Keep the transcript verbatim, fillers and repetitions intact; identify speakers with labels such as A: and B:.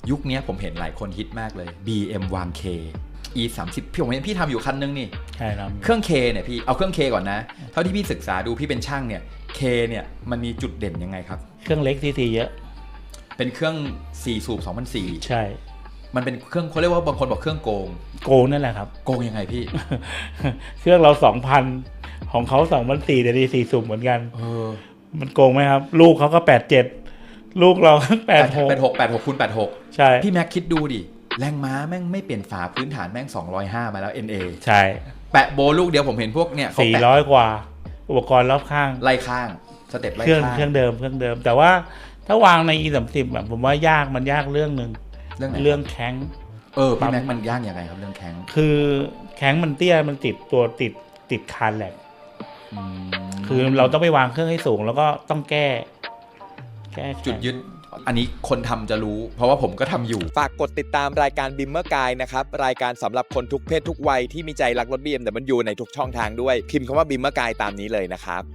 A: ยุคนี้ผมเห็นหลายคนฮิตมากเลย บี เอ็ม วาง K อี สามสิบ พี่ผมเห็นพี่ทำอยู่คันนึงนี่
B: ใช่ครับ
A: เครื่อง K เนี่ยพี่เอาเครื่อง K ก่อนนะเท่าที่พี่ศึกษาดูพี่เป็นช่างเนี่ย K เนี่ยมันมีจุดเด่นยังไงครับ
B: เครื่องเล็กซีซีเยอะ
A: เป็นเครื่องสี่สูบสองพันสี่
B: ใช่
A: มันเป็นเครื่องเขาเรียกว่าบางคนบอกเครื่องโกง
B: โกงนั่นแหละครับ
A: โกงยังไงพี่
B: เครื่องเรา สองพัน ของเขาสองพันสี่แต่ดีสี่สูบเหมือนกัน
A: เออ
B: มันโกงไหมครับลูกเขาก็แปดสิบเจ็ดลูกเราแปดสิบหก
A: แปดสิบหก แปดสิบหกคูณแปดสิบหก
B: ใช่
A: พี่แม็กคิดดูดิแรงม้าแม่งไม่เปลี่ยนฝาพื้นฐานแม่งสองร้อยห้ามาแล้ว เอ็น เอ
B: ใช่
A: แปะโบลูกเดียวผมเห็นพวกเนี่ย
B: สี่ร้อยกว่าอุปกรณ์รอบข้าง
A: ไล่ข้างสเต็ปไล่
B: ข้าง
A: เค
B: รื่องเดิมเครื่องเดิมแต่ว่าถ้าวางใน อี สามสิบ แบบผมว่ายากมันยากเรื่องนึง
A: เรื่อง
B: เรื่องแข้ง
A: เออพี่แม็กมันยากยังไงครับเรื่องแข้ง
B: คือแข้งมันเตี้ยมันติดตัวติดติดคานแหลกคือเราต้องไปวางเครื่องให้สูงแล้วก็ต้องแก้แก้
A: จุดยึดอันนี้คนทำจะรู้เพราะว่าผมก็ทำอยู่
C: ฝากกดติดตามรายการ Bimmer Guide นะครับรายการสำหรับคนทุกเพศทุกวัยที่มีใจรักรถ บี เอ็ม ดับเบิลยู ในทุกช่องทางด้วยพิมพ์คำว่า Bimmer Guide ตามนี้เลยนะครับ